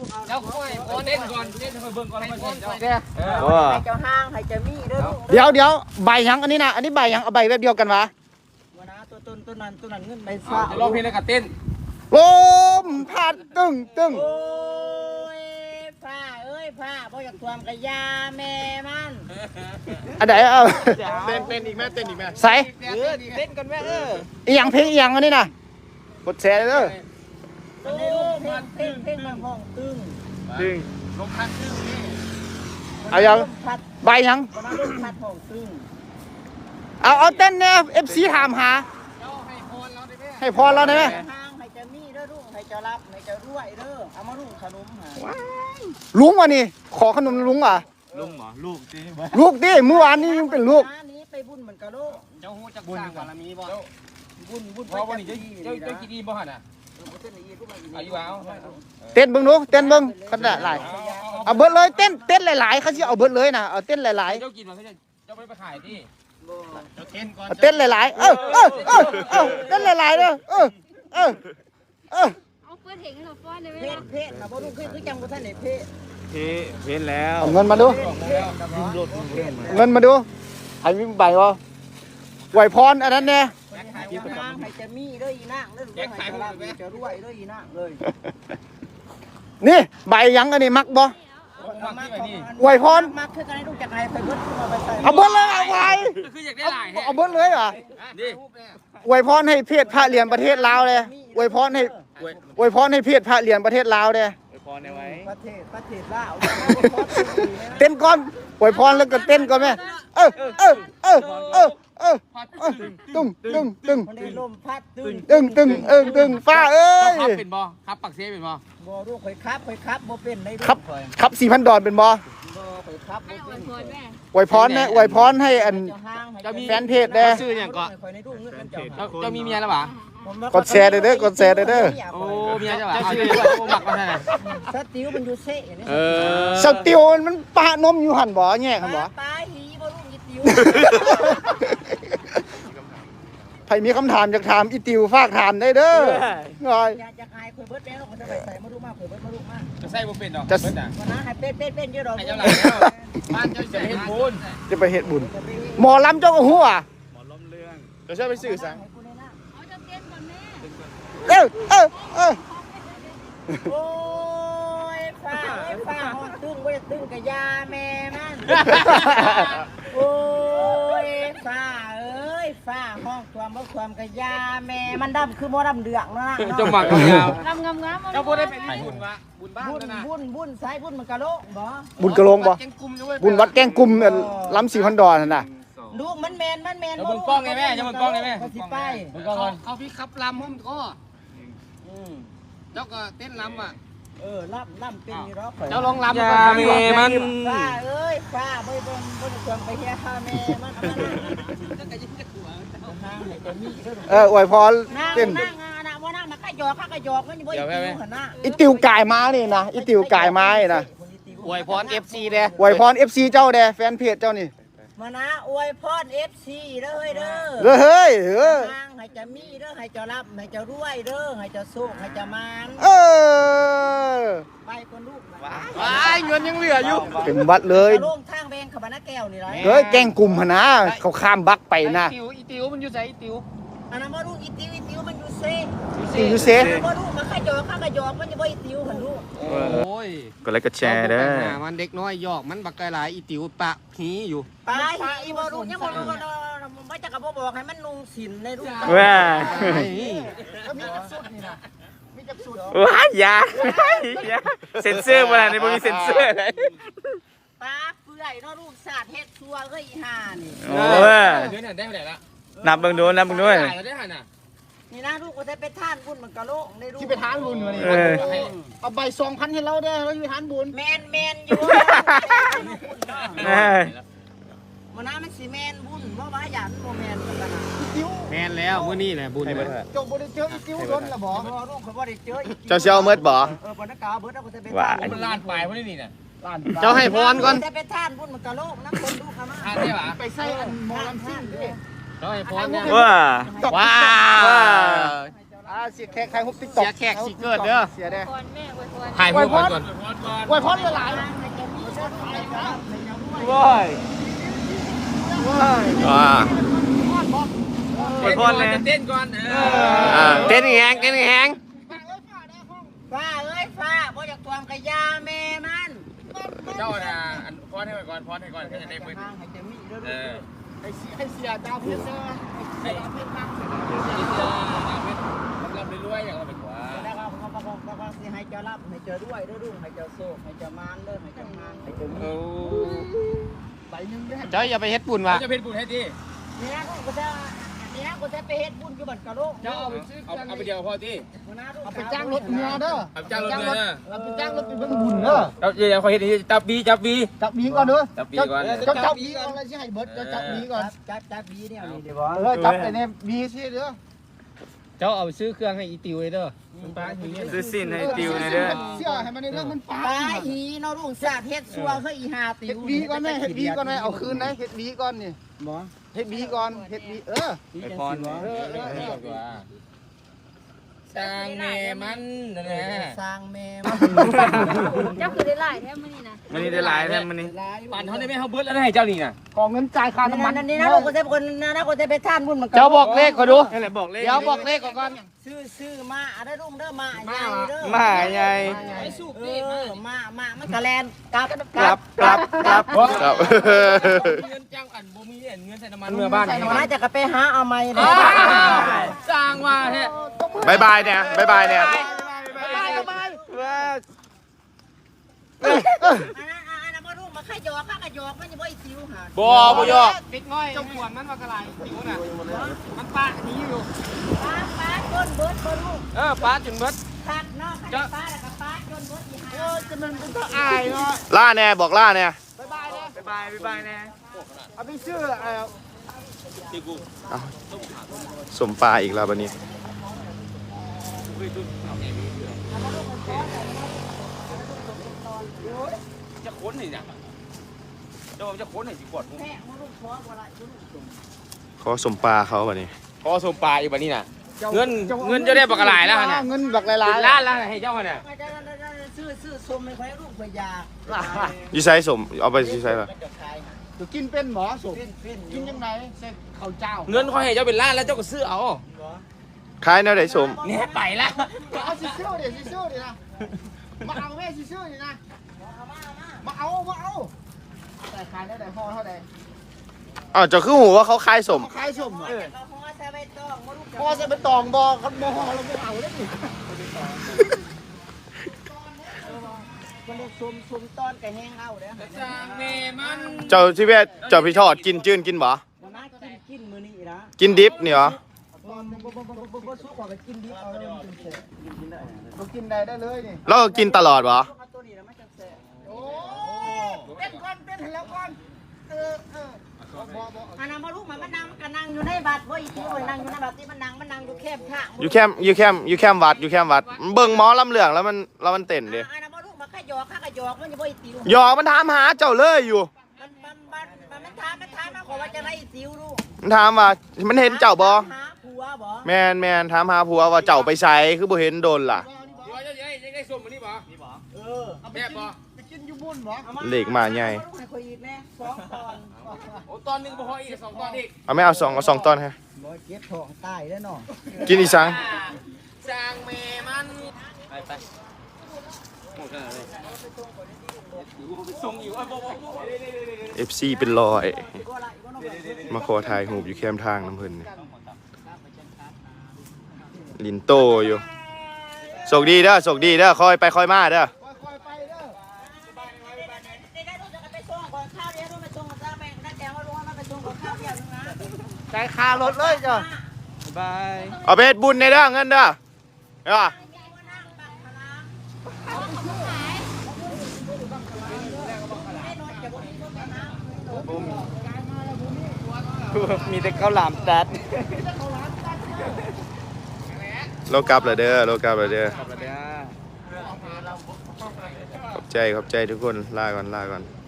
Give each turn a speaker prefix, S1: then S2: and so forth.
S1: เจ้าค่อยเต้นก่อนเต้นให้เบิ่งก่อนให้เบิ่งเ
S2: เจ้าห้างให้เจ้ามีเด้อ
S3: เดี๋ยวใบยังอันนี้นะอันนี้ใบยังเอาใบแบบเดียวกันวะ
S2: วันนะตัวนั้นเงินใบ
S1: ฟ้าจะร้องเพลงแล้วก็เต้น
S3: ลมพัดตึ้ง
S2: โอ้ยผ้าเอ้ยผ้าบ่อยากทวมกะยาแม่มัน
S3: อันไหนเอา
S1: เต้นอีกแม่เต้นอีกแม่
S3: ใส่
S2: เต้นกันแม่
S3: อีหยังเพลงอีหยังอันนี้นะกดแชร์เลย
S2: เพลงมันห้องตึง
S1: ลมพัดตึงนี่
S3: เอายังใบยัง
S2: วันนั้นลมพัดห้องตึง
S3: เอาเต้นเนี่ยFC ถามหาให้พรเราได้ไหม
S2: ห้างให้เจ้ามีเด้อลูกให้เจ้ารับให้เจ้ารวยเด้อเอามาลูกขนมหา
S3: ลุงวะนี่ขอขนมลุงอ่ะ
S1: ลุงเหรอลูกดิ
S3: เมื่อวานนี้ยังเป็นลูก
S2: นี้ไปบุญเหมือนกะโล
S1: เจ้าฮู้จักสร้างบารมีบ่บุญเพราะว่านี่เจ้ากินดีบ่หั่นน่ะอายุเอา
S3: เต้นเบิ่งดูเต้นเบิ่งขนาดหลายเอาเบิดเลยเต้นหลายๆเขาสิเอาเบิดเลยนะเอาเต้นหลายๆ
S1: เจ้ากินมันเจ้าไปขายดิเจ้าเต้นก่อน
S3: เต้นหลายๆเต้นหลายๆเด้อ
S4: เอาเปิดเพลงให้เราฟ้อนได้ไหมล่ะ
S2: เพศนะบ่ลูกคือจังบ่ทันได้
S1: เพศแล้ว
S3: เอาเงินมาดูเงินมาดูให้มีใบบ่ไหวพรอันนั้นแน่
S2: ให้จะมีเด้ออีนางเด้อให้จะรวยเด้ออีนางเลย
S3: นี่ใบยังอันนี้มักบ่ไหวพร
S2: มักคือกันให้ลูกจักให้ไปเบิดเอาไปใส่
S3: เอาเบิดเลยเอาไว้
S1: คืออยากได้หลาย
S3: เอาเบิดเลยเหรอ
S1: นี่
S3: ไหวพรให้เพศพระเหรียญประเทศลาวเลยไหวพรให้เพศพระเหรียญประเทศลาวเลย
S1: พรไว้
S2: ประเทศลาว
S3: เต้นก่อนไหวพรแล้วก็เต้นก่อนแม่ตึ้ง
S2: ลมพัด
S3: ตึ้งฟ้าเอ้ย
S1: เป็นบ่ครับปักเสียเป็นบ่
S2: บ่ลูกข่อยครับบ่เป็นใน
S3: ครับ 4,000 ดอลเป็นบ่
S2: ข่อยครับบ่เป็น
S3: ไหวพรนะไหวพรให้อันแฟนเพจได้
S1: ชื่อหยังก็เจ้ามีเมียแล้วบ่
S3: กดแชร์เด้อกดแชร์เด้อ
S1: โอ้เมียจ้ะบ่ชื่อหมักมาซั่นน่ะ
S2: สติวมันอยู่เซ่นี่
S3: สติวมันปะนมอยู่หั่นบ่แยกหั่นบ่
S2: ตายหีบ่ลูกอีติว
S3: ใครมีคำถามอยากถามอีติวฝากถามได้เด้อ
S2: ง่อยอยากอายข่อยเบิดแม่เราจะไปใส่มาดูมากข่อยเบิดมาดูมาก
S1: จะใส่บ่เป็นดอกเบิดน่ะ
S2: วันนั้นให้เป็นเยอะดอก
S1: ให้เจ้าหลายแล้วบ้านเจ้าจะเฮ็ดบุญ
S3: จะไปเฮ็ดบุญหมอลำเจ้าก็ฮู้อ่ะ
S1: หมอล้มเรื่องเดี๋ยวช่วยไปสื่อซะ
S4: เอาจะเต้นก่อนแม่
S2: โอ้ยฟ้าห้องตึ้งบ่ได้ตึ้งกะยาแม่มันโอ้ยฟ้าเอ้ยฟ้าห้องความกะยาแม่มันดำคือบ่ดำเดืองเนาะ
S1: จงหมักยาว
S4: งาม
S1: เจ้าบ่ได้เป็นบุญวะบุญบ้านนะ
S2: บุญสายบุญมันกะโลบ่
S3: บุญกะโลงบ่บุญวัดแก้งกุมล้ำ4,000 ดอลนั่นน่ะ
S2: ลูกมันแมน
S1: จะมึงกล้องไงแม่จะมึงกล้องไงแม่
S2: สิไป
S1: เขาพี่ขับลำห้อมก็เจ้าก็เต้นลำอ่ะ
S2: ลำเป็นอยู่รอบ
S1: เจ้าลองลำก่อนแม่มัน
S2: ฟ้าเอ้ยฟ้าบ่ควรไปเฮียข้าแม่มัน
S3: อวยพรเต้น
S2: ว่านั่งมาขยอกมันบ่อยู่หั่นน่ะ
S3: อีติวกายมานี่นะอีติวกายมานี่นะ
S1: อวยพร FC เด้
S3: อวยพร FC เจ้าเด้แฟนเพจเจ้านี่
S2: มานะอวยพร FC เด้อเด้
S3: อเฮ้ย
S2: ให้จะมีเด้อให้จะรับให้จะรวยเด้อให้จะสุขให้จะมานไปคนลูก
S1: ว้ายเงินยังเหลืออยู่
S3: เป็นวัดเลย
S2: ลงทางแบงขบานะแก้วนี่ไร
S3: เฮ้ยแกงกลุ่มหั่นนะเขาข้ามบักไปนะ
S1: อีติวมันอยู่ไสอีติว
S2: อันนั้นมาลูกอีติวมันอยู่เซ่
S3: อยู่เซ่
S2: มาลูกมาขยอกข้ากระยอกมันจะบ่อีติวหั่นลูก
S1: โอ้ย
S3: ก็เลยก็แชร์เด้อ
S1: มันเด็กน้อยหยอกมันบักไกหลายอีติวปะหีอยู่
S2: ปะอีบ่ลูกยังบ่ลูกก็บ่จักก็บ่บอกให้มันนุ่งศีลในลูก
S3: ว้า
S2: มีจักสุดนี่นะมีจักสุด
S3: ว้ายอย่าเซ็นเซอร์บ่ล่ะนี่บ่มีเซ็นเซอร์เลย
S2: ปะเปื่อยเนาะลูกสาดเฮ็ดซัวเอ้ยอีห่านี่
S1: เดือนน่ะได้เท่าไหร่ละ
S3: นับเบิ่งดู
S1: ได้หั่นน่ะ
S2: นี่นะลูกก็ได้ไปทานบุญมันกะโลกในลูก
S1: ที่ไปทานบุญมานี่
S3: เอาใบ 2,000 ให้เราเด้อเราอยู่ทานบุญ
S2: แมนอยู่มันน่ามันสิแมนบุญเพราะว่าหยันโมแมนกันนะ
S1: แมนแล้วมื้อนี้แหละบุญ
S3: จงบ่ได้เจออีติ้วโดนละบ่
S2: ลูกเขาบ่ได้เจอ
S3: เจ้าเชี่ยวเมิดบ่
S2: ปนกาเบิดเอาไป
S1: ทานบุญล้านปลายพุ่นนี่น่ะเจ้าให้พรก่อน
S2: ได้ไปทานบุญมันกะโลกนะคนดูค่ะมา
S1: ทานได้ป่ะ
S2: ไปใส่อันหมอลำซิ่งดิ
S1: เจ้าให้พรเนี่ย
S3: ว้าวเสียแขกใครฮุบติ๊กต็อก
S1: เสียแขกสิเกิดเด้อ
S3: เสียเด้อ
S4: ก่อนแม่อวยพร
S1: ถ่ายรูปก่อน
S3: อวยพรหลาย
S1: ว้ายว้าอวยพรเลยเต้นก่อนเต้นแหงเต้นแหง
S2: ฟ้าเอ้ยฟ้าบ่อยากทวงกะยาแม่มัน
S1: เจ้าน่ะอันพรให้ก่อนพรให้ก่อนก็จะได้มือ
S2: ทางให้จะมีเด้อ
S1: เออ
S3: ให้เสียดาวเพื่อนเด้อ
S1: ให้เราไปรวยอย่างเราไปกว่า
S2: แล้วก็สิให้เจ้ารับให้เจ้าด้วยเด้อลุงให้เจ้าโชคให้เจ้ามานเด้อให้เจ้ามานให้เจ้ามี
S3: ใบนึงเด้อ
S1: เจ้าอย่าไปเฮ็ดบุญวะจะเฮ็ดบุญให้ดี
S2: เนี่ยกูจะเนี่ยกูจะไปเฮ็ดบุญอยู่บัดกะโลก
S1: เจ้าเอาไปเดียวพอดี
S3: เอาไปจ้างรถเรือเด้อ
S1: เอาจ้างรถเรือ
S3: เอาไปจ้างรถไปเบิ่งบุญเด้อ
S1: เดี๋ยวเขาเฮ็ดนี่จับบีจับบี
S3: จับบีก่อนเด้อ
S1: จับบีก่อน
S3: จับบีก่อนแล้วสิให้เบิดจับบีก่อน
S2: จับบีเนี่ยนี่เดี๋ยว
S3: จับไอ้เนี่ยบีสิเด้อ
S1: เจ้าเอาไปซื้อเครื่องให้อีติวเลยเด้อซื้อสินให้ติวเลยเด้อ
S3: เสื้อให้มันในเรื่องมันปา
S2: ปลาหีเนาะลุงสาดเฮ็ดซัวเฮ้ยอีหาติ
S3: เฮ็ด
S2: ว
S3: บีก่อนแม่เฮ็ดบีก่อนแม่เอาคืนนะเฮ็ดบีก่อนนี่
S2: บ่
S3: เฮ็ดบีก่อนเฮ็ดบี
S1: ไ
S3: เออ
S1: ปพรสร้างแม่มันนะ
S2: สร้างแม่
S4: เจ้าคือได้หลายแท้มื้อนี้นะ
S1: มันนี่ได้หลายแท้มันนี่ปั่นเขาได้ไหมเขาเบิดแล้วให้เจ้านี่น่ะ
S3: ขอเงินจ่ายค่าน้ำมัน
S2: นั่นนี่นะกูจะคนนะกูจะไปท่านบุญมัน
S1: เจ้าบอกเลขเขาดูนั่นแหละบอกเลขเดี๋ยวบอกเลขก่อน
S2: ซื้อมาอะไรลุงเด้อมาใหญ่เด้อ
S1: มาใหญ่
S2: ไอ้สุกนี่มามันกะแลนกลับ
S1: เงินจ้างอันบ่มีเงินใส่น้ำมันเมื่อบ้าน
S2: มาจะก็ไปหาเอาใหม่เลย
S1: สร้างว่าแท้
S3: บายบายเนี่ยบายบายเนี่ย
S2: อันนั้นบ่ลุงมาขยอกข้ากะยอกมันจะบ่อีติวหา
S1: บ่ยอกปิดง่อยเจ้าขวนมันว่ากระไรติวน่ะมันป้านี้อยู่
S2: ป้าจนเบิดบ่ลุง
S1: ป้าจนเบิด
S2: ตัดเนาะป้าแล้วก็ป้าจนเบิดอีหา
S3: จะมันเป็นต้องอายเนาะล่าแน่บอกล่าแน่
S1: บ๊ายบายแน่
S3: เอาไปซื้อ
S1: ที่กู
S3: สมปลาอีกแล้ววันนี้
S1: จะค้นนี่เนี่ยเจ้าจะค้นให้สิกด
S2: แม่บ่ลุงขอบ่ละลุง
S3: ขอสมปลาเขาวันนี้
S1: พอสมปลาอีกวันนี้น่ะเงินจะได้บักหลายแล้วเนี่ย
S3: เงินบักหลาย
S1: ล้านแล้วให้เจ้าเนี่ย
S2: ซื้อสมไม่ค่อยลูกไปยา
S3: ยูไซสมเอาไปยูไซป่ะ
S2: จะขาย
S3: จะกินเป็นหมอสม
S2: เป็น
S3: กินยังไงเส้นข้าวเจ้า
S1: เงินเขาให้เจ้าเป็นล้านแล้วเจ้าก็ซื้อเอา
S3: ขายแนวไหนสม
S1: เนี่ยไปละ
S3: เอาซิซิ่วดิซิซิ่วดินะมาเอาแม่ซิซิ่วดินะมาเอาแต่ขายได้แต่ห่อเท่าไหร่อ้าวจะคือหูว่าเขาขายสมขายสมอ่ะ
S2: เราพอจะไปต้องมาลูก
S3: พอจะเป็นตองบอเขาบอเราไม่เอาได้ดิ
S2: มันลูกซุ่มตอนกับแห้งเอาเด้อ
S1: สร้างแม่มัน
S3: เจ้าชีวิตเจ้าพี่ทอดกินจื้นกินบ่
S2: มันน่ากินมื้อนี้นะ
S3: กินดิบนี่เหรอ
S2: บ่สู้กว่ากินดิเอาเลยมันแซ่กินได้
S3: เรากินได้เลยนี่เราก็กินตลอดบ่
S2: ตัวนี้นะมันจะแซ่
S3: โอ้เป็นก่อนเป็นแล้วก่อน
S2: อันนั้นมาลูกมันนั่งก็นั่งอยู่ในบัตรบ่อีที่มันนั่งอยู่ในบัตรที่มันนั่งอยู่แคบข้าง
S3: อยู่แคมวัดเบิ่งหมอลำเหลืองแล้วมันเต้นดิ
S2: อันนั้นมาลูกมันขยอกข้ากะยอกมันจะบ่อีติว
S3: หยอกมันถามหาเจ้าเลยอยู่
S2: มันถามมาขอว่าจะไล่ติวลูก
S3: มันถามว่ามันเห็นเจ้าบ่
S2: หาผัวบ่
S3: แมนถามหาผัวว่าเจ้าไปไสคือบ่เห็นโดนล่ะ
S1: ได้ส้มมันนี่บ่แม่บ่
S3: เลขมาใหญ่
S2: ให้คุยอีกแน่2ตอน
S1: โอ้ตอนนึงบ่พออีก2ตอนอีก
S3: เอาไม่เอาสองตอนฮะ
S2: บ่เก็บท้องตายแล้วเนาะ
S3: กินอีสัง
S1: สร้างแม่มันไปหมดแล้วเลยส่งอยู่
S3: FC เป็นร้อยมาขอถ่ายรูปอยู่แคมทางน้ำเพิ่นนี่ลินโตอยู่โชคดีเด้อคอยไปคอยมาเด้อ
S2: ใจคารถเลยจ้ะ
S1: บาย
S3: เอาไปเฮ็ดบุญในเด้อเงินเด้อเด้อ
S1: มีแต่ข้าวหลามตัด
S3: โลกลับแล้วเด้อขอบใจทุกคนลาก่อน